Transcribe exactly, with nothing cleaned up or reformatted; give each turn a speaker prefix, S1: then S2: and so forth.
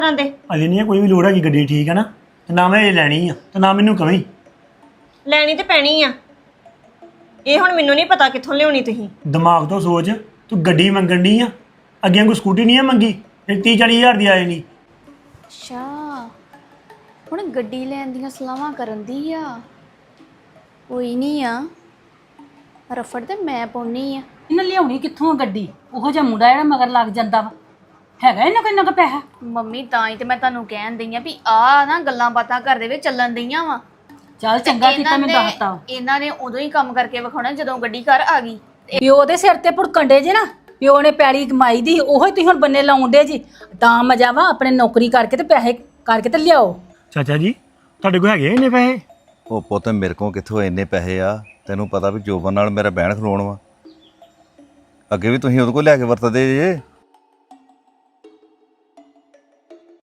S1: ਦੇ
S2: ਅਜੇ ਨਹੀਂ ਕੋਈ ਵੀ ਲੋੜ ਹੈਗੀ ਗੱਡੀ ਠੀਕ ਹੈ ਨਾ ਤੇ ਨਾ ਮੈਂ ਇਹ ਲੈਣੀ ਆ ਤੇ ਨਾ ਮੈਨੂੰ ਕਵੀਂ
S1: ਲੈਣੀ ਤੇ ਪੈਣੀ ਆ। ਇਹ ਹੁਣ ਮੈਨੂੰ ਨਹੀਂ ਪਤਾ ਕਿੱਥੋਂ ਲਿਆਉਣੀ ਤੁਸੀਂ।
S2: ਦਿਮਾਗ ਤੋਂ ਸੋਚ ਤੂੰ ਗੱਡੀ ਮੰਗਣ ਦੀ ਆ ਅੱਗੇ ਕੋਈ ਸਕੂਟੀ ਨਹੀਂ ਆ ਮੰਗੀ ਫਿਰ ਤੀਹ ਚਾਲੀ ਹਜ਼ਾਰ ਦੀ ਆ ਜਾਣੀ।
S3: ਅੱਛਾ ਹੁਣ ਗੱਡੀ ਲੈਣ ਦੀਆਂ ਸਲਾਹਾਂ ਕਰਨ ਦੀ ਆ। ਕੋਈ ਨਹੀਂ ਆ ਰਫੜ ਤੇ ਮੈਂ ਪਾਉਣੀ ਆ।
S4: ਇਹਨਾਂ ਲਿਆਉਣੀ ਕਿੱਥੋਂ ਆ ਗੱਡੀ? ਉਹੋ ਜਿਹਾ ਮੁੰਡਾ ਜਿਹੜਾ ਮਗਰ ਲੱਗ ਜਾਂਦਾ ਵਾ ਹੈਗਾ ਇਹਨਾਂ ਕੋਈ ਨਾ ਕੋ ਪੈਸਾ।
S3: ਮੰਮੀ ਤਾਂ ਹੀ ਤੇ ਮੈਂ ਤੁਹਾਨੂੰ ਕਹਿਣ ਦਈ ਆ ਵੀ ਆ ਨਾ ਗੱਲਾਂ ਬਾਤਾਂ ਘਰ ਦੇ ਵਿੱਚ ਚੱਲਣ ਦਈਆਂ ਵਾ।
S4: ਚੱਲ ਚੰਗਾ ਕੀਤਾ ਮੈਂ ਦੱਸਤਾ।
S3: ਇਹਨਾਂ ਨੇ ਉਦੋਂ ਹੀ ਕੰਮ ਕਰਕੇ ਵਿਖਾਉਣਾ ਜਦੋਂ ਗੱਡੀ ਘਰ ਆ ਗਈ।
S4: ਪਿਓ ਦੇ ਸਿਰ ਤੇ ਭੁੜਕਣ ਡੇ ਜੇ ਨਾ, ਪਿਓ ਨੇ ਪੈਲੀ ਕਮਾਈ ਦੀ ਉਹੋ ਹੀ ਤੁਸੀਂ ਹੁਣ ਬੰਨੇ ਲਾਉਂਦੇ ਜੀ। ਤਾਂ ਮਜ਼ਾ ਵਾ ਆਪਣੇ ਨੌਕਰੀ ਕਰਕੇ ਤੇ ਪੈਸੇ ਕਰਕੇ ਤੇ ਲਿਆਓ।
S2: ਚਾਚਾ ਜੀ ਤੁਹਾਡੇ ਕੋਲ ਹੈਗੇ ਇੰਨੇ ਪੈਸੇ?
S5: ਉਹ ਪੁੱਤ ਮੇਰੇ ਕੋਲ ਕਿੱਥੋਂ ਇੰਨੇ ਪੈਸੇ ਆ? ਤੈਨੂੰ ਪਤਾ ਵੀ ਜੋਬਨ ਨਾਲ ਮੇਰਾ ਬਹਿਣ ਖਲੋਣ ਵਾ। ਅੱਗੇ ਵੀ ਤੁਸੀਂ ਉਹਦੇ ਕੋਲ ਲੈ ਕੇ ਵਰਤਦੇ ਜੇ।